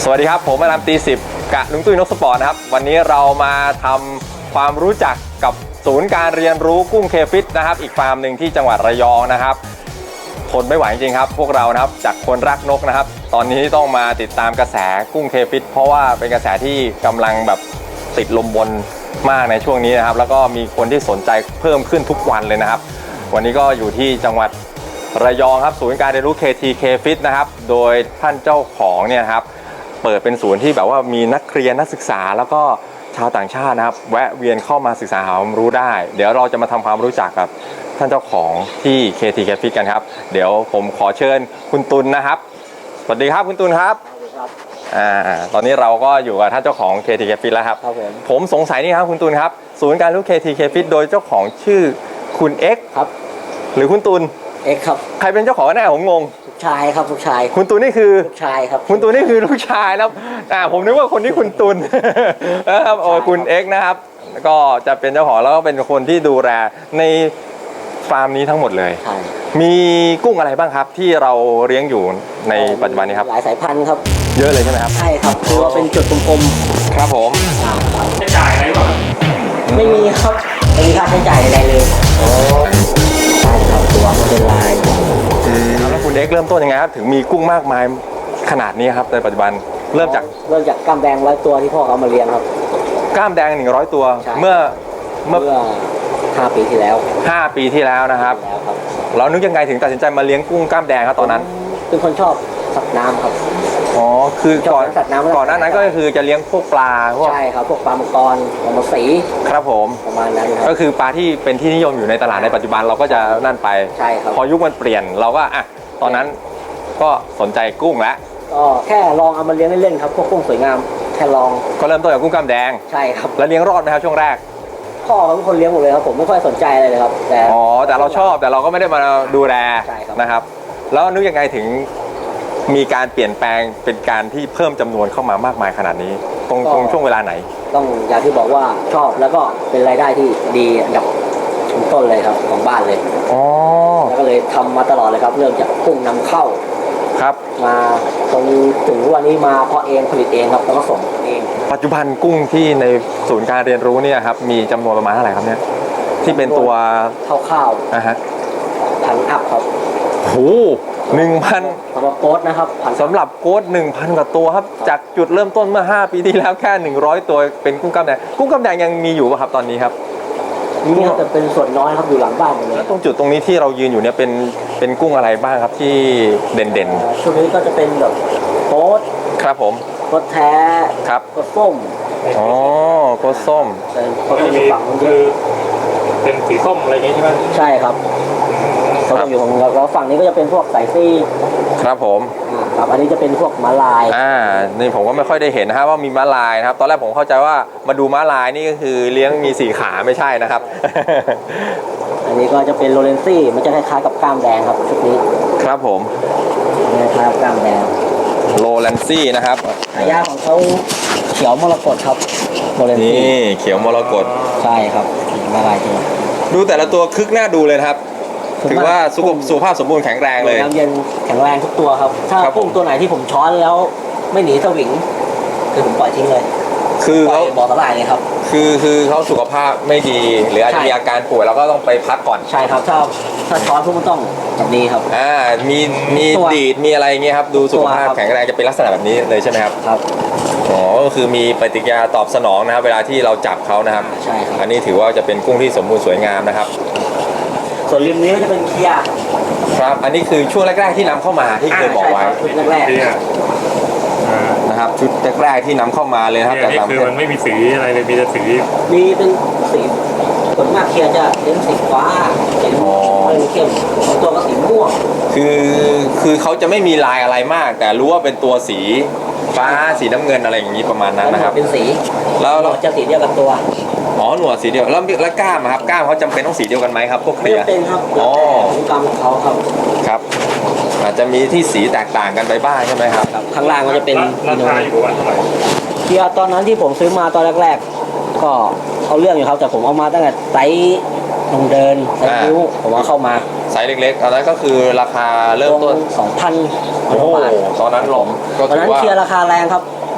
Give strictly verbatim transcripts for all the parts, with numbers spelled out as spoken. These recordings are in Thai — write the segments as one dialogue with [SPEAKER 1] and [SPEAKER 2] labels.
[SPEAKER 1] วัสดีครับผมอารามตีสิบกะลุงตุ้ยนกสปอร์ตนะครับวันนี้เรามาทำความรู้จักกับศูนย์การเรียนรู้กุ้งเคฟิตนะครับอีกฟาร์มหนึ่งที่จังหวัดระยองนะครับทนไม่ไหวจริงๆครับพวกเรานะครับจากคนรักนกนะครับตอนนี้ต้องมาติดตามกระแสกุ้งเคฟิตเพราะว่าเป็นกระแสที่กำลังแบบติดลมบนมากในช่วงนี้นะครับแล้วก็มีคนที่สนใจเพิ่มขึ้นทุกวันเลยนะครับวันนี้ก็อยู่ที่จังหวัดระยองครับศูนย์การเรียนรู้ เค ที เค ฟิต นะครับโดยท่านเจ้าของเนี่ยครับเปิดเป็นศูนย์ที่แบบว่ามีนักเรียนนักศึกษาแล้วก็ชาวต่างชาตินะครับแวะเวียนเข้ามาศึกษาหาความรู้ได้เดี๋ยวเราจะมาทำความรู้จักกับท่านเจ้าของที่ เค ที เค ฟิต กันครับเดี๋ยวผมขอเชิญคุณตุลนะครับสวัสดีครับคุณตุลครับอ่าตอนนี้เราก็อยู่กับท่านเจ้าของ เค ที เค ฟิต แล้วครับครับผมผมสงสัยนี่ครับคุณตุลครับศูนย์การรู้ เค ที เค ฟิต โดยเจ้าของชื่อคุณเอ็กซ์ครับหรือคุณตุล
[SPEAKER 2] เอ็กซ์ครับ
[SPEAKER 1] ใครเป็นเจ้าของแน่ผมงง
[SPEAKER 2] ลูกชายครับลูกชาย
[SPEAKER 1] คุณตุลนี่คือ
[SPEAKER 2] ลูกชายครับ
[SPEAKER 1] คุณตุลนี่คือลูกชายแล้วอ่าผมนึกว่าคนที่คุณตุลนะครับโอ้คุณเอ็กซ์นะครับก็จะเป็นเจ้าของแล้วก็เป็นคนที่ดูแลในฟาร์มนี้ทั้งหมดเลย
[SPEAKER 2] ใช่
[SPEAKER 1] มีกุ้งอะไรบ้างครับที่เราเลี้ยงอยู่ในปัจจุบันนี้ครับ
[SPEAKER 2] หลายสายพันธุ์ครับ
[SPEAKER 1] เยอะเลยใช่ไหมครับ
[SPEAKER 2] ใช่ครับคือว่าเป็นจุดกลม
[SPEAKER 1] ๆครับผม
[SPEAKER 3] ใช้จ่ายอะไรบ้าง
[SPEAKER 2] ไม่มีครับไม่มีค่าใช้จ่ายใดเลยโอ้ใช่ครับตัวมันเป็นลาย
[SPEAKER 1] แล้วคุณเอ็กซ์เริ่มต้นยังไงครับถึงมีกุ้งมากมายขนาดนี้ครับในปัจจุบันเริ่มจาก
[SPEAKER 2] เริ่มจากกล้ามแดงร้อยตัวที่พ่อเขามาเลี้ยงครับ
[SPEAKER 1] กล้ามแดงหนึ่งร้อยตัวเมื่อ
[SPEAKER 2] เมื่อห้าปีที่แล้ว
[SPEAKER 1] ห้าปีที่แล้วนะครับเรานึกยังไงถึงตัดสินใจมาเลี้ยงกุ้งกล้ามแดงครับตอนนั้น
[SPEAKER 2] เป็นคนชอบสัตว์น้ำครับ
[SPEAKER 1] อ๋อคือก่อนก่อนหน้านั้นก็คือจะเลี้ยงพวกปลาพวก
[SPEAKER 2] ใช่ครับพวกปลามังกรปลาหมอสี
[SPEAKER 1] ครับผม
[SPEAKER 2] ประมาณนั้น
[SPEAKER 1] ก็คือปลาที่เป็นที่นิยมอยู่ในตลาดในปัจจุบันเราก็จะนั่นไป
[SPEAKER 2] ใช่ครับ
[SPEAKER 1] พอยุคมันเปลี่ยนเราก็อ่ะตอนนั้นก็สนใจกุ้งแล้ว
[SPEAKER 2] ก็แค่ลองเอามาเลี้ยงเล่นๆครับพวกกุ้งสวยงามแค่ลอง
[SPEAKER 1] ก็เริ่มต้นจากกุ้งกล้ามแดง
[SPEAKER 2] ใช่ครับ
[SPEAKER 1] แล้วเลี้ยงรอดไหมครับช่วงแรก
[SPEAKER 2] พ่อเขาเป็นคนเลี้ยงหมดเลยครับผมไม่ค่อยสนใจอะไรเลยครับ
[SPEAKER 1] แต่อ๋อแต่เราชอบแต่เราก็ไม่ได้มาดูแลนะครับแล้วนึกยังไงถึงมีการเปลี่ยนแปลงเป็นการที่เพิ่มจำนวนเข้ามามากมายขนาดนี้ตรงตรงช่วงเวลาไหน
[SPEAKER 2] ต้องอย่างที่บอกว่าชอบแล้วก็เป็นรายได้ที่ดีอันดับต้นเลยครับของบ้านเลย
[SPEAKER 1] อ๋อ
[SPEAKER 2] แล้วก็เลยทำมาตลอดเลยครับเริ่มจากกุ้งนำเข้า
[SPEAKER 1] ครับ
[SPEAKER 2] มาตรงถึงวันนี้มาเพาะเองผลิตเองครับแล้วก็ส่งเอง
[SPEAKER 1] ปัจจุบันกุ้งที่ในศูนย์การเรียนรู้เนี่ยครับมีจำนวนประมาณเท่าไหร่ครับเนี่ยที่เป็นตัว
[SPEAKER 2] ข้าว
[SPEAKER 1] ๆอ่ะฮะ
[SPEAKER 2] พันอัพครับ
[SPEAKER 1] โหหนึ่งพัน
[SPEAKER 2] สำหรับโค้ดนะครับ
[SPEAKER 1] สำหรับโค้ดหนึ่งพันกว่าตัวครับจากจุดเริ่มต้นเมื่อห้าปีที่แล้วแค่หนึ่งร้อยตัวเป็นกุ้งกล้ามแดงกุ้งกล้ามแดงยังมีอยู่ป่ะครับตอนนี้ครับ
[SPEAKER 2] นี่แต่เป็นส่วนน้อยครับอยู่หลังบ้านเลย
[SPEAKER 1] แล้วตรงจุดตรงนี้ที่เรายืนอยู่เนี่ยเป็นเป็นกุ้งอะไรบ้างครับที่เด่น
[SPEAKER 2] ๆช่วงนี้ก็จะเป็นแบบโค้ด
[SPEAKER 1] ครับผม
[SPEAKER 2] โค้ดแท้
[SPEAKER 1] ครับ
[SPEAKER 2] โค้ดส้ม
[SPEAKER 1] อ๋อโค้ดส้ม
[SPEAKER 3] ก็มีฝั่งคือเป็นสีส้มอะไรอย่างงี้ใช่ไหม
[SPEAKER 2] ใช่ครับเขาจะอยู่ของเราแล้วฝั่งนี้ก็จะเป็นพวกสายซี่
[SPEAKER 1] ครับผม
[SPEAKER 2] ครับอันนี้จะเป็นพวกม้าลาย
[SPEAKER 1] อ่านี่ผมก็ไม่ค่อยได้เห็นนะครับว่ามีม้าลายนะครับตอนแรกผมเข้าใจว่ามาดูม้าลายนี่ก็คือเลี้ยงมีสี่ขาไม่ใช่นะครับ
[SPEAKER 2] อันนี้ก็จะเป็นโรเลนซี่มันจะคล้ายๆกับกล้ามแดงครับชุดนี้
[SPEAKER 1] ครับผม
[SPEAKER 2] คล้ายๆกับกล้ามแดง
[SPEAKER 1] โรเลนซี่นะครับ
[SPEAKER 2] หายากของเขาเขียวมรกตครับโรเลนซี่
[SPEAKER 1] นี่เขียวมรกต
[SPEAKER 2] ใช่ครับม้าลายจริง
[SPEAKER 1] ดูแต่ละตัวคึกหน้าดูเลยครับถือว่าสุขภาพสมบูรณ์แข็งแรงเลย
[SPEAKER 2] น้ำเย็นแข็งแรงทุกตัวครับถ้ากุ้งตัวไหนที่ผมช้อนแล้วไม่หนีสวิงคือผมปล่อยทิ้งเลย
[SPEAKER 1] คือเขา
[SPEAKER 2] บ่อสลายเลยครับ
[SPEAKER 1] คือคือเขาสุขภาพไม่ดีหรืออาจจะมีอาการป่วยเราก็ต้องไปพักก่อน
[SPEAKER 2] ใช่ครับถ้าถ้าช้อนพวกมันต้องแบบนี้ครับ
[SPEAKER 1] อ่ามีมีดีดมีอะไรเงี้ยครับดูสุขภาพแข็งแรงจะเป็นลักษณะแบบนี้เลยใช่ไหมครับ
[SPEAKER 2] ครับ
[SPEAKER 1] อ๋อก็คือมีปฏิกิริยาตอบสนองนะครับเวลาที่เราจับเขานะครับ
[SPEAKER 2] ใช่ครับ
[SPEAKER 1] อันนี้ถือว่าจะเป็นกุ้งที่สมบูรณ์สวยงามนะครับ
[SPEAKER 2] ส่วนริมนี้ก็จะเป็นเคียร์
[SPEAKER 1] ครับอันนี้คือช่วงแรกๆที่นำเข้ามาที่เคยบอกไว้
[SPEAKER 2] ชุดแรก
[SPEAKER 1] ๆนะครับชุดแรกๆที่นำเข้ามาเลยครับ
[SPEAKER 3] แต่นี่คือมันไม่มีสีอะไรเลยมีแต่สี
[SPEAKER 2] มีเป็นสีส่วนมากเคียร์จะเป็นสีฟ้าสีเข้มตัวก็สีม่วง
[SPEAKER 1] คือคือเขาจะไม่มีลายอะไรมากแต่รู้ว่าเป็นตัวสีฟ้าสีน้ำเงินอะไรอย่างนี้ประมาณนั้นนะครับ
[SPEAKER 2] เป็นสี
[SPEAKER 1] แล้วเรา
[SPEAKER 2] จะสีเดียวกับตัว
[SPEAKER 1] อ๋อหนวดสีเดียวแล้วแล้วกล้ามครับกล้ามเขาจำเป็นต้องสีเดียวกันไหมครับพวกเคลียร์
[SPEAKER 2] ไม่เป็นครับอ๋อกล้ามเขาครับ
[SPEAKER 1] ครับอาจจะมีที่สีแตกต่างกันไปบ้างใช่ไหมครับ
[SPEAKER 2] ข้างล่างก็จะเป็น
[SPEAKER 3] ราคาอยู่ประมาณเท่าไหร่
[SPEAKER 2] เคียร์ตอนนั้นที่ผมซื้อมาตอนแรกๆก็เอาเรื่องอยู่ครับแต่ผมเอามาตั้งแต่ไซส์ลงเดินไซส์นิ้วผมว่าเข้ามา
[SPEAKER 1] ไซส์เล็กๆตอนนั้นก็คือราคาเริ่มต้น
[SPEAKER 2] สองพัน
[SPEAKER 1] โอ้ตอนนั้นหลง
[SPEAKER 2] ตอนนั้นเคียร์ราคาแรงครับ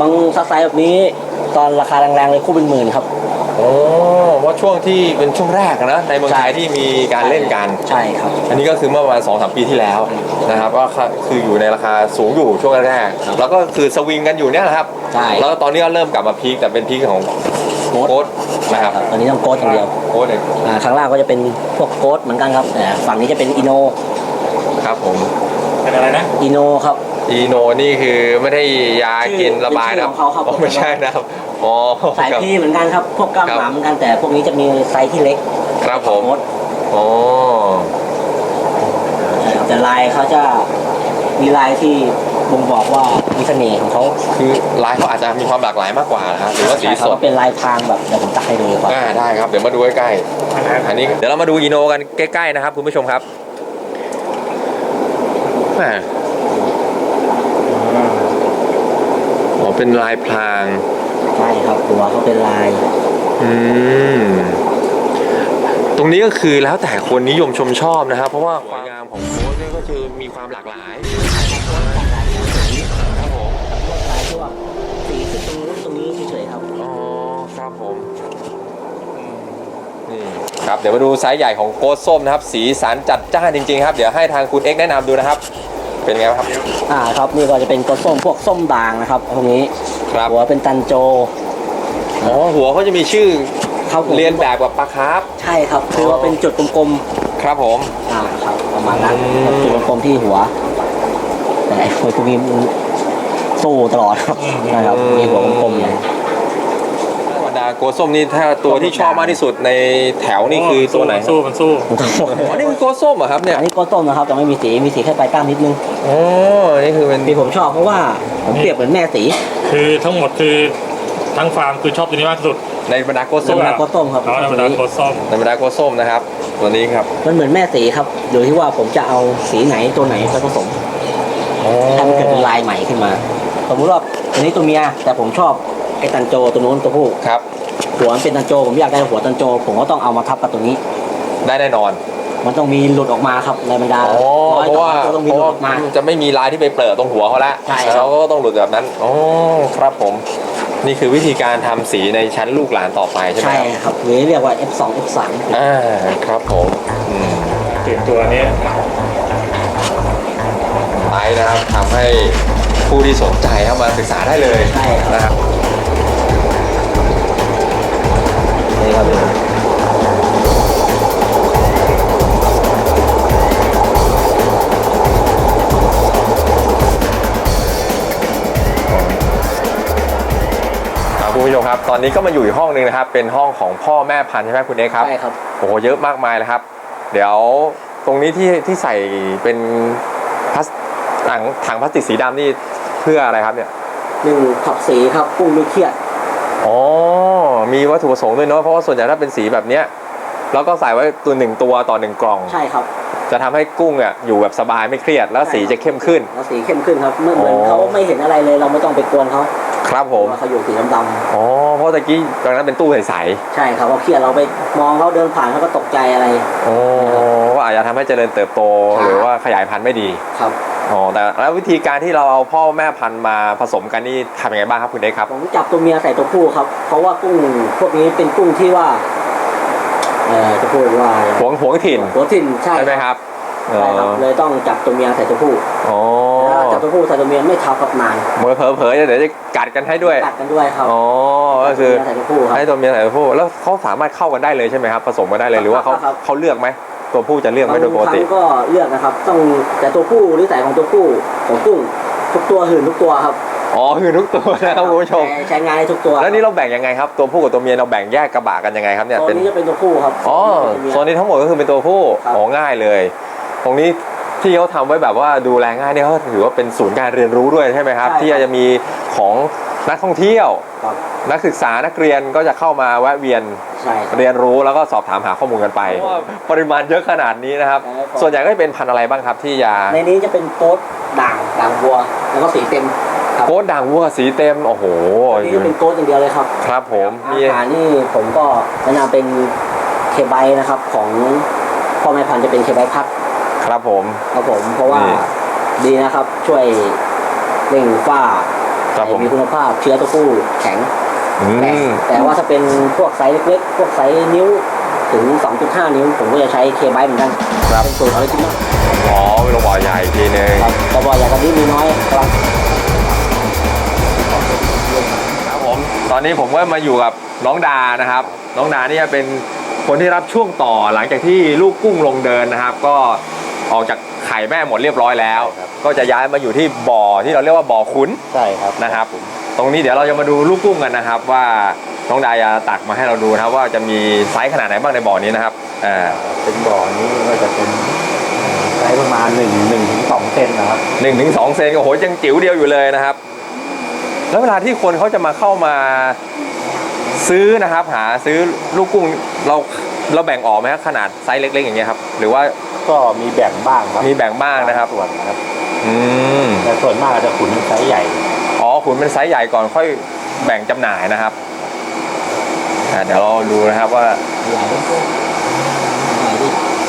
[SPEAKER 2] บางซักไซส์แบบนี้ตอนราคาแรงๆเลยคู่เป็นหมื่นครับ
[SPEAKER 1] โอ้ว่าช่วงที่เป็นช่วงแรกนะในเมืองไทยที่มีการเล่นกัน
[SPEAKER 2] ใช่ครับ
[SPEAKER 1] อันนี้ก็คือเมื่อประมาณสองสามปีที่แล้วนะครับก็คืออยู่ในราคาสูงอยู่ช่วงแรกๆแล้วก็คือสวิงกันอยู่เนี่ยนะครับ
[SPEAKER 2] ใช่
[SPEAKER 1] แล้วตอนนี้ก็เริ่มกลับมาพีคแต่เป็นพีคของ
[SPEAKER 2] โค้ด
[SPEAKER 1] โค้ดนะครับ
[SPEAKER 2] ตอนนี้ต้องโค้ดอย่างเดียว
[SPEAKER 1] โค้ดเอง
[SPEAKER 2] อ่าข้างล่างก็จะเป็นพวกโค้ดเหมือนกันครับแต่ฝั่งนี้จะเป็นอิโน
[SPEAKER 1] ครับผม
[SPEAKER 3] เป็นอะไรนะ
[SPEAKER 2] อิโนครับ
[SPEAKER 1] อีโนนี่คือไม่ได้ยากินระบายนะ
[SPEAKER 2] ชื่อของเขาครับ
[SPEAKER 1] อ๋อไม่ใช่นะครับอ๋อ
[SPEAKER 2] สาย
[SPEAKER 1] ครับ
[SPEAKER 2] พีเหมือนกันครับพวกกล้าม
[SPEAKER 1] ครับ
[SPEAKER 2] หมาเหมือนกันแต่พวกนี้จะมีไซส์ที่เล็ก
[SPEAKER 1] ครับผม
[SPEAKER 2] โค้ด
[SPEAKER 1] อ๋อ
[SPEAKER 2] แต่ลายเขาจะมีลายที่บ่งบอกว่ามีเสน่ห์ของเขา
[SPEAKER 1] คือลายเขาอาจจะมีความหลากหลายมากกว่านะครับหรือว่าสี
[SPEAKER 2] ใช่
[SPEAKER 1] ส
[SPEAKER 2] เขา
[SPEAKER 1] ด
[SPEAKER 2] ก็เป็นลายพรางแบบเดี๋ยวผมตักให้ดูดีกว่า
[SPEAKER 1] อ่าได้ครับเดี๋ยวมาดูใกล้ๆอันนี้เดี๋ยวเรามาดูอีโนกันใกล้ๆนะครับคุณผู้ชมครับแหมอ๋อเป็นลายพราง
[SPEAKER 2] ใช่ครับหัวเขาเป็นลาย
[SPEAKER 1] อืมตรงนี้ก็คือแล้วแต่คนนิยมชมชอบนะครับเพราะว่าความงามของโค้ดเนี่ยก็คือมีความหลากหลายครับผม
[SPEAKER 2] ลายที่ว่าสีคือตรงนู้นตรงนี้เฉยๆครับ
[SPEAKER 1] อ๋อครับผมนี่ครับเดี๋ยวมาดูไซส์ใหญ่ของโค้ดส้มนะครับสีสันจัดจ้านจริงๆครับเดี๋ยวให้ทางคุณเอ็กซ์แนะนำดูนะครับเป็นไงครับ
[SPEAKER 2] อ่าครับนี่ก็จะเป็นตัวส้มพวกส้มด่างนะครับพวกนี้
[SPEAKER 1] ครับ
[SPEAKER 2] หัวเป็นตันโจ
[SPEAKER 1] อ๋อหัวเขาจะมีชื่อ
[SPEAKER 2] ครับผม
[SPEAKER 1] เรียนแบบกับปลาคาร์ฟ
[SPEAKER 2] ใช่ครับคือว่าเป็นจุดกลม
[SPEAKER 1] ครับผม
[SPEAKER 2] ๆอ่าครับประมาณนั้น
[SPEAKER 1] อืม
[SPEAKER 2] จุดกลมๆที่หัว แต่ไอ้พวกนี้มันสู้ตลอดครับนะครับมีหัวกลมๆอย่าง
[SPEAKER 1] บรรดาโกส้มนี่ถ้าตัวที่ชอบมากที่สุดในแถวนี่คือตัวไหน
[SPEAKER 3] มันสู้มันสู้
[SPEAKER 1] อ๋อนี่คือโกส้มเหรอครับเนี่ย
[SPEAKER 2] อันนี้ก็ต้มนะครับแต่ไม่มีสีมีสีแค่ปลายก้ามนิดนึง
[SPEAKER 1] อ๋อนี่คือเป็น
[SPEAKER 2] ที่ผมชอบเพราะว่าผมเปรียบเหมือนแม่สี
[SPEAKER 3] คือทั้งหมดคือทั้งฟาร์มคือชอบตัวนี้มากที่สุด
[SPEAKER 1] ในบรรดาโก
[SPEAKER 2] ธร
[SPEAKER 1] ส้
[SPEAKER 2] ร
[SPEAKER 1] ม
[SPEAKER 2] มดาก็ต้มครับ
[SPEAKER 3] แล้วธรรมดาโคตรส้ม
[SPEAKER 1] ในบรรดาโกส้มนะครับตัวนี้ครับ
[SPEAKER 2] มันเหมือนแม่สีครับโดยที่ว่าผมจะเอาสีไหนตัวไหนไปผสม
[SPEAKER 1] อ๋อ
[SPEAKER 2] ให้มันเกิดเป็นลายใหม่ขึ้นมาสมมติว่าตัวนี้ตัวเมียแต่ผมชอบไอ้ตันโจตัวนู้นตัวผู้
[SPEAKER 1] ครับ
[SPEAKER 2] หัวมันเป็นตันโจผมอยากได้หัวตันโจ ผมก็ต้องเอามาทับกับตัวนี้
[SPEAKER 1] ได้แน่นอน
[SPEAKER 2] มันต้องมีหลุดออกมาครับในบรรดา
[SPEAKER 1] อ๋อ
[SPEAKER 2] ร้อย
[SPEAKER 1] เพราะว่า
[SPEAKER 2] ตัวก็ต้องมี
[SPEAKER 1] เพ
[SPEAKER 2] ห
[SPEAKER 1] ราะ
[SPEAKER 2] ลุด
[SPEAKER 1] ว่า
[SPEAKER 2] ออกมา
[SPEAKER 1] จะไม่มีลายที่ไปเปิดตรงหัวเขาแล้ว
[SPEAKER 2] ใช่ครับ
[SPEAKER 1] เขาก็ต้องหลุดแบบนั้นอ๋อครับผมนี่คือวิธีการทำสีในชั้นลูกหลานต่อไปใช่ไหม
[SPEAKER 2] ใช่
[SPEAKER 1] ครับ
[SPEAKER 2] ครับหรือเรียกว่า เอฟ สอง เอฟ สาม
[SPEAKER 1] อ่าครับผมอืม
[SPEAKER 3] ถึงตัวนี้
[SPEAKER 1] ไลฟ์นะครับทำให้ผู้ที่สนใจเข้ามาศึกษาได้เลย
[SPEAKER 2] ใช่ครับ
[SPEAKER 1] นะครับ
[SPEAKER 2] นี่ครับ
[SPEAKER 1] ครับคุณผู้ชมครับตอนนี้ก็มาอยู่อีกห้องหนึ่งนะครับเป็นห้องของพ่อแม่พันธุ์ใช่ไหมคุณเอกครับ
[SPEAKER 2] ใช่ครับ
[SPEAKER 1] โอ้โหเยอะมากมายเลยครับ เดี๋ยวตรงนี้ที่ที่ใส่เป็นพลาสถังถังพลาสติกสีดำนี่เพื่ออะไรครับเนี่ย
[SPEAKER 2] หนึ่งขับสีครับกุ้งไม่เครียด
[SPEAKER 1] อ๋อมีวัตถุประสงค์ด้วยเนาะเพราะว่าส่วนใหญ่ถ้าเป็นสีแบบเนี้ยแล้วก็ใส่ไว้ตัวหนึ่งตัวต่อหนึ่งกล่อง
[SPEAKER 2] ใช่ครับ
[SPEAKER 1] จะทำให้กุ้งอ่ะอยู่แบบสบายไม่เครียดแล้วสีจะเข้มขึ้น
[SPEAKER 2] แล้วสีเข้มขึ้นครับเมื่อเหมือน
[SPEAKER 1] อ๋อ
[SPEAKER 2] เขาไม่เห็นอะไรเลยเราไม่ต้องไปกวนเขา
[SPEAKER 1] ครับผม
[SPEAKER 2] ว่าเขาอยู่สีดำๆ
[SPEAKER 1] อ๋อเพราะตะกี้ตอนนั้นเป็นตู้ใส
[SPEAKER 2] ใช่ครับเขาเครียดเราไปมองเขาเดินผ่านเขาก็ตกใจอะไร
[SPEAKER 1] ๆอ๋อว่าอาจจะทำให้เจริญเติบโต
[SPEAKER 2] ครับ
[SPEAKER 1] หรือว่าขยายพันธุ์ไม่ดี
[SPEAKER 2] ครับ
[SPEAKER 1] อ๋อแต่แล้ววิธีการที่เราเอาพ่อแม่พันธุ์มาผสมกันนี่ทำยังไงบ้างครับคุณเอกครับ
[SPEAKER 2] ผมจับตัวเมียใส่ตัวผู้ครับ เพราะว่ากุ้งพวกนี้เป็นกุ้งที่ว่าเอ่อจะพูดว่า
[SPEAKER 1] หวงหวงถิ่น
[SPEAKER 2] หัวถิ่นใช่
[SPEAKER 1] ใช่ไหมครับ
[SPEAKER 2] ใช่ครับเลยต้องจับตัวเมียใส่ตัวผู้
[SPEAKER 1] อ๋อ
[SPEAKER 2] ถ้าจับตัวผู้ใส่ตัวเมียไม่ทับกับนาน
[SPEAKER 1] เมื่อเผลอๆเดี๋ยวจะกัดกันให้ด้วย
[SPEAKER 2] กัดกันด้วยครับ
[SPEAKER 1] อ๋อก็คือ
[SPEAKER 2] จับตัวเมียใส่ตัวผู้ครับ
[SPEAKER 1] ให้ตัวเมียใส่ตัวผู้แล้วเขาสามารถเข้ากันได้เลยใช่ไหมครับผสมกันได้เลยหรือว่าเขา
[SPEAKER 2] ครับ
[SPEAKER 1] เขาเลือกไหมตัวผู้จะเลือกไหม
[SPEAKER 2] บาง
[SPEAKER 1] โดยปก
[SPEAKER 2] ครั้
[SPEAKER 1] ติ
[SPEAKER 2] งก็เลือกนะครับ ต้องแต่ตัวผู้นิสัยของตัวผู้ของกุ้งทุกตัวหื่นทุกตัวครับ
[SPEAKER 1] อ๋อคือทุกตัวนะครับคุณผู้ชม
[SPEAKER 2] ใช้ใช้งานได้ทุกตัว
[SPEAKER 1] แล้วนี่เราแบ่งยังไงครับตัวผู้กับตัวเมียเราแบ่งแยกกระบะกันยังไงครับเนี่ย
[SPEAKER 2] ตัว
[SPEAKER 1] เป็น
[SPEAKER 2] นี้จะเป็นตัวผู้ครับ
[SPEAKER 1] อ๋อโซนนี้ทั้งหมดก็คือเป็นตัวผู้
[SPEAKER 2] ครับ
[SPEAKER 1] อ๋อง่ายเลย ตรงนี้ที่เขาทำไว้แบบว่าดูแลง่ายเนี่ยเขาถือว่าเป็นศูนย์การเรียนรู้ด้วยใช่ไหมครับ
[SPEAKER 2] ใช่ครับ
[SPEAKER 1] ที่จะมีของนักท่องเที่ยว
[SPEAKER 2] ครับ
[SPEAKER 1] นักศึกษานักเรียนก็จะเข้ามาแวะเวียน
[SPEAKER 2] ใช่ครับ
[SPEAKER 1] เรียนรู้แล้วก็สอบถามหาข้อมูลกันไปเพราะว่าปริมาณเยอะขนาดนี้นะครับ
[SPEAKER 2] ใช่ครับ
[SPEAKER 1] ส่วนใหญ่ก็จะเป็นพันธุ์อะไรบ้างครับที่ยา
[SPEAKER 2] ในนี้จะเป็นโต๊ดด่างด่างวัว แล้วก็สีเต็มครับ
[SPEAKER 1] โค้ดด่างวัวสีเต็มโอ้โห
[SPEAKER 2] อันนี้จะเป็นโต๊ดอย่างเดียวเลยครับ
[SPEAKER 1] ครับผมมี
[SPEAKER 2] อาหารนี่ผมก็แนะนำเป็นเคไบนะครับของพ่อแม่พันธุ์จะเป็นเคไบพัด
[SPEAKER 1] ครับผม
[SPEAKER 2] ครับผมเพราะว่า
[SPEAKER 1] นี่
[SPEAKER 2] ดีนะครับ ช่วยเร่งฝ้า
[SPEAKER 1] ครับผม
[SPEAKER 2] มีคุณภาพเชื้อตัวผู้แข็ง
[SPEAKER 1] อื
[SPEAKER 2] แต่
[SPEAKER 1] ม
[SPEAKER 2] แต่ว่าถ้าเป็นพวกไซส์เล็กๆพวกไซส์นิ้วถึง สองจุดห้า นิ้ว ผมก็จะใช้เคไบเหมือนกัน
[SPEAKER 1] ครับ
[SPEAKER 2] เป็นสูตรออริจินอล
[SPEAKER 1] อ๋อเป็นโรงบ่อใหญ่อีกทีนึง
[SPEAKER 2] ครับแต่บ่อใหญ่กว่านี้มีน้อยครับ
[SPEAKER 1] ครับผมตอนนี้ผมก็มาอยู่กับน้องดานะครับ น้องดาเนี่ยเป็นคนที่รับช่วงต่อหลังจากที่ลูกกุ้งลงเดินนะครับ ก็ออกจากไข่แม่หมดเรียบร้อยแล้ว ก็จะย้ายมาอยู่ที่บ่อที่เราเรียกว่าบ่อขุน
[SPEAKER 2] ใช่ครับ
[SPEAKER 1] นะครับ ตรงนี้เดี๋ยวเราจะมาดูลูกกุ้งกันนะครับ ว่าน้องดาจะตักมาให้เราดูนะครับ ว่าจะมีไซส์ขนาดไหนบ้างในบ่อนี้นะครับอ่า
[SPEAKER 4] เป็นบ่อนี้ก็จะเป็นไซส์ประมาณหนึ่งหนึ่งถึงสองเซนนะครับ
[SPEAKER 1] หนึ่งถึงสองเซนโอ้โหยังจิ๋วเดียวอยู่เลยนะครับ แล้วเวลาที่คนเขาจะมาเข้ามาซื้อนะครับ หาซื้อลูกกุ้งเราเราแบ่งออกไหมครับขนาดไซส์เล็กๆอย่างเงี้ยครับหรือว่า
[SPEAKER 4] ก็มีแบ่งบ้างครับ
[SPEAKER 1] มีแบ่งบ้างนะครับ
[SPEAKER 4] ส่วนนะครับ
[SPEAKER 1] อืม
[SPEAKER 4] แต่ส่วนมากจะขุนไซส์ใหญ่
[SPEAKER 1] อ๋อขุนเป็นไซส์ใหญ่ก่อนค่อยแบ่งจำหน่ายนะครับอ่าเดี๋ยวเราดูนะครับว่า
[SPEAKER 2] ใหญ่ด้วยใหญ่ดิ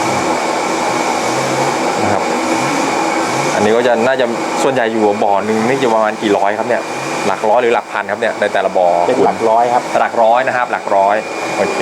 [SPEAKER 1] นะครับ อันนี้ก็จะน่าจะส่วนใหญ่อยู่บ่อหนึ่งนี่จะประมาณกี่ร้อยครับเนี่ยหลักร้อยหรือหลักพันครับเนี่ยในแต่ละบ่อ
[SPEAKER 4] เป็นหลักร้อยครับ
[SPEAKER 1] หลักร้อยนะครับ หลักร้อยโอเค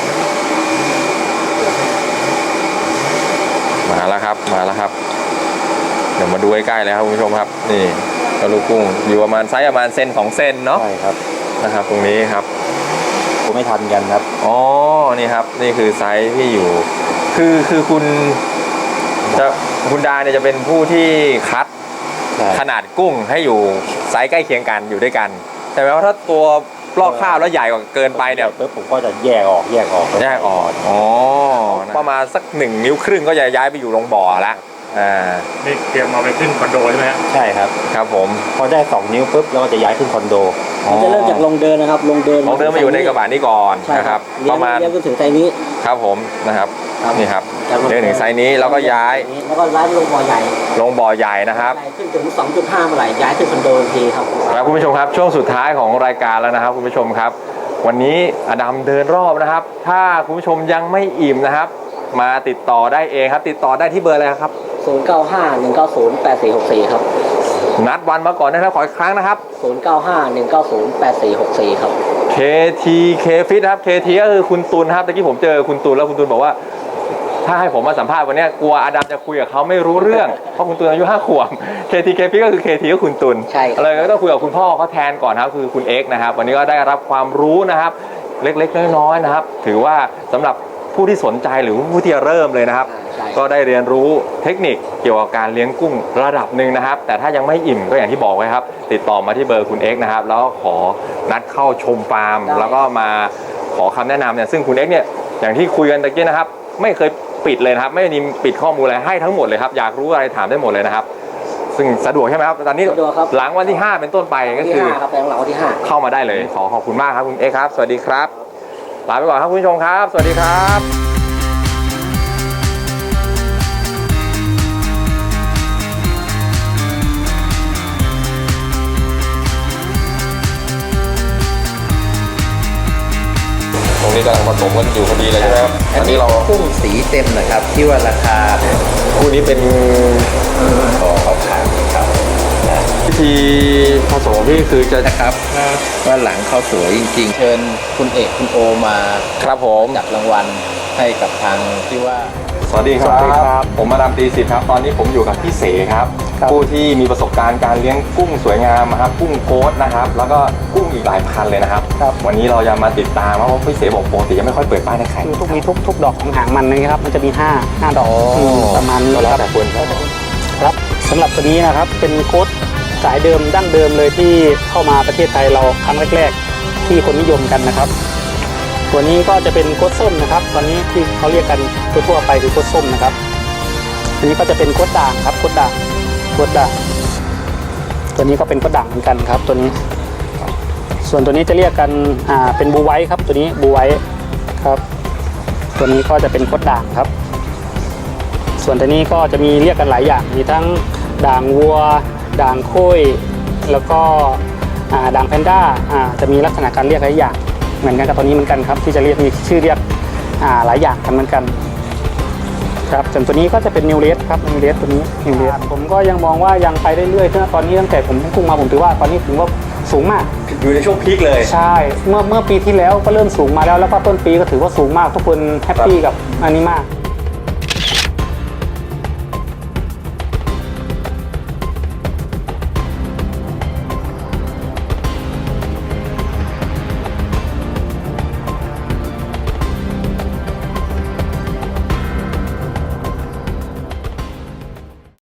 [SPEAKER 1] มาแล้วครับมาแล้วครับ เดี๋ยวมาดูใกล้ๆเลยครับคุณผู้ชมครับนี่กระลูกกุ้งอยู่ประมาณไซส์ประมาณเซนสองเซนเนาะ
[SPEAKER 4] ใช่ครับ
[SPEAKER 1] นะครับ ตรงนี้ครับ
[SPEAKER 4] ผมไม่ทันกันครับ
[SPEAKER 1] อ๋อนี่ครับนี่คือไซส์ที่อยู่ คือคือคุณจะคุณดาเนี่ยจะเป็นผู้ที่คัด
[SPEAKER 4] ใช่
[SPEAKER 1] ขนาดกุ้งให้อยู่ไซส์ใกล้เคียงกันอยู่ด้วยกันแต่ว่าถ้าตัวลอกคราบแล้วใหญ่กว่าเกินไปเนี่ย
[SPEAKER 4] ปุ๊บผมก็จะแยกออกแยกออก
[SPEAKER 1] แยกออกอ๋อประมาณสักหนึ่งนิ้วครึ่งก็จะย้ายไปอยู่โรงบ่อแล้วอ่า
[SPEAKER 3] นี่เตรียมเอาไปขึ้นคอนโดใช่ไหมฮะ
[SPEAKER 4] ใช่ครับ
[SPEAKER 1] ครับผม
[SPEAKER 4] พอได้สองนิ้วปุ๊บเราก็จะย้ายขึ้นคอนโด
[SPEAKER 2] มันจะเริ่มจากลงเดินนะครับ ลงเดิน
[SPEAKER 1] ลองเดินมาอยู่ในกระบะนี้ก่อน
[SPEAKER 2] ใช่
[SPEAKER 1] นะ
[SPEAKER 2] ค
[SPEAKER 1] ค
[SPEAKER 2] รั
[SPEAKER 1] รั
[SPEAKER 2] บบ เลี้
[SPEAKER 1] ป
[SPEAKER 2] ยง
[SPEAKER 1] ระมาณ
[SPEAKER 2] เลี้ยงจนถึงไซส์นี้
[SPEAKER 1] ครับผมนะครับ
[SPEAKER 2] ครับ
[SPEAKER 1] นี่ครับ
[SPEAKER 2] จากลง
[SPEAKER 1] เดินถึงไซส์นี้แล้วก็ย้าย
[SPEAKER 2] แล้วก็ย้ายไปลงบ่อใหญ่
[SPEAKER 1] ลงบ่อใหญ่นะครับ
[SPEAKER 2] ใหญ่ขึ้นถึง สองจุดห้า เมื่อไหร่ย้ายขึ้นคอนโดทันทีครับ
[SPEAKER 1] ครับคุณผู้ชมครับช่วงสุดท้ายของรายการแล้วนะครับคุณผู้ชมครับ วันนี้อดัมเดินรอบนะครับ ถ้าคุณผู้ชมยังไม่อิ่มนะครับ มาติดต่อได้เองครับ ติดต่อได้ที่เบอร์อะไรครับ
[SPEAKER 2] ศูนย์ เก้า ห้า หนึ่ง เก้า ศูนย์ แปด สี่ หก สี่ ครับ
[SPEAKER 1] นัดวันมาก่อนนะครับขออีกครั้งนะครับ
[SPEAKER 2] ศูนย์ เก้า ห้า หนึ่ง เก้า ศูนย์ แปด สี่ หก สี่ ครับ
[SPEAKER 1] เค ที เค Fit ครับ เค ที ก็คือคุณตุลครับตะกี้ผมเจอคุณตุลแล้วคุณตุลบอกว่า ถ้าให้ผมมาสัมภาษณ์วันนี้กลัวอดัมจะคุยกับเขาไม่รู้เรื่อง เพราะคุณตุลอายุห้าขวบ เค ที เค Fit ก็คือ เค ที ก็คุณตุล
[SPEAKER 2] ใช่ครับ
[SPEAKER 1] เลยก็ต้องคุยกับคุณพ่อเขาแทนก่อนครับคือคุณเอ็กซ์นะครับวันนี้ก็ได้รับความรู้นะครับ เล็กๆน้อยๆนะครับ ถือว่าสำหรับผู้ที่สนใจหรือผู้ที่จะเริ่มเลยนะครับ
[SPEAKER 2] ใช่
[SPEAKER 1] ก็ได้เรียนรู้เทคนิคเกี่ยวกับการเลี้ยงกุ้งระดับหนึ่งนะครับ แต่ถ้ายังไม่อิ่มก็อย่างที่บอกไว้ครับ ติดต่อมาที่เบอร์คุณเอ็กซ์นะครับ แล้วขอนัดเข้าชมฟาร์ม แล้วก็มาขอคำแนะนำเนี่ยซึ่งคุณเอ็กซ์เนี่ยอย่างที่คุยกันตะกี้นะครับ ไม่เคยปิดเลยนะครับ ไม่มีปิดข้อมูลอะไรให้ทั้งหมดเลยครับ อยากรู้อะไรถามได้หมดเลยนะครับ ซึ่งสะดวกใช่ไหมครับตอนนี้
[SPEAKER 2] สะดวกครับ
[SPEAKER 1] หลังวันที่ห้าเป็นต้นไปก็
[SPEAKER 2] ที่
[SPEAKER 1] คือ
[SPEAKER 2] ห้าครับแปลงหลังวันที่ห้า
[SPEAKER 1] เข้ามาได้เลยขอขอบคุณมากครับคุณเอ็กซ์ครับสวัสดีครับลาไปก่อนครับคุณผู้ชมครับ สวัสดีครับตรงนี้กำลังผสมกันอยู่พอดีเลยใช่ไหมครับอันนี้เรา
[SPEAKER 4] กุ้งสีเต็มนะครับ ที่ว่าราคา
[SPEAKER 1] คู่นี้เป็น
[SPEAKER 4] ขอเขาขายครับ
[SPEAKER 1] วิธีผสมที่คือจะ
[SPEAKER 4] นะครับว่าหลังเขาสวยจริงๆ เชิญคุณเอกคุณโอมา
[SPEAKER 1] ครับผม
[SPEAKER 4] จับรางวัลให้กับทางที่ว่า
[SPEAKER 1] สวัสดีค
[SPEAKER 4] สวั
[SPEAKER 1] รั
[SPEAKER 4] สดีครับ
[SPEAKER 1] บผมมาดามตีสิทธิ์ครับตอนนี้ผมอยู่กับพี่เสครับ
[SPEAKER 4] ครับ
[SPEAKER 1] ผู้ที่มีประสบการณ์การเลี้ยงกุ้งสวยงามนะครับกุ้งโค้ดนะครับแล้วก็กุ้งอีกหลายพันเลยนะครับ
[SPEAKER 5] ครับ
[SPEAKER 1] วันนี้เราจะมาติดตามเพราะว่าพี่เสบอกปกติยังไม่ค่อยเปิดป้ายในไข่
[SPEAKER 5] คือทุกมีทุกทุกดอกของหางมันนะครับ มันจะมีห้าห้าดอก
[SPEAKER 1] อ๋อ
[SPEAKER 5] มประมาณนี้
[SPEAKER 1] ก็แล้
[SPEAKER 5] คว รับ
[SPEAKER 1] แต่คนครับ
[SPEAKER 5] ครับสำหรับตัวนี้นะครับเป็นโค้ดสายเดิมดั้งเดิมเลยที่เข้ามาประเทศไทยเราครั้งแรกๆที่คนนิยมกันนะครับ ตัวนี้ก็จะเป็นโค้ดส้มนะครับ ตอนนี้ที่เขาเรียกกันทั่วๆไปคือโค้ดส้มนะครับตัวนี้ก็จะเป็นโค้ดด่างครับโค้ดด่างโค้ดด่างตัวนี้ก็เป็นโค้ดด่างเหมือนกันครับ ตัวนี้ ส่วนตัวนี้จะเรียกกันอ่าเป็นบูไวท์ครับ ตัวนี้บูไวท์ครับ ตัวนี้ก็จะเป็นโค้ดด่างครับ ส่วนตัวนี้ก็จะมีเรียกกันหลายอย่าง มีทั้งด่างวัว ด่างโค้ยแล้วก็อ่าด่างแพนด้าอ่าจะมีลักษณะการเรียกหลายอย่างเหมือนกันกับตัวนี้เหมือนกันครับ ที่จะเรียกมีชื่อเรียกอ่าหลายอย่างกันเหมือนกันครับส่วนตัวนี้ก็จะเป็นนิวเลสครับนิวเลสตัวนี้นิวเลสผมก็ยังมองว่ายังไปได้เรื่อยๆตอนนี้ตั้งแต่ผมกุ้งมาผมถือว่าตอนนี้ถือว่าสูงมาก
[SPEAKER 1] อยู่ในช่วงพีคเลย
[SPEAKER 5] ใช่เมื่อเมื่อปีที่แล้วก็เริ่มสูงมาแล้วแล้วก็ต้นปีก็ถือว่าสูงมากทุกคนแฮปปี้กับอันนี้มาก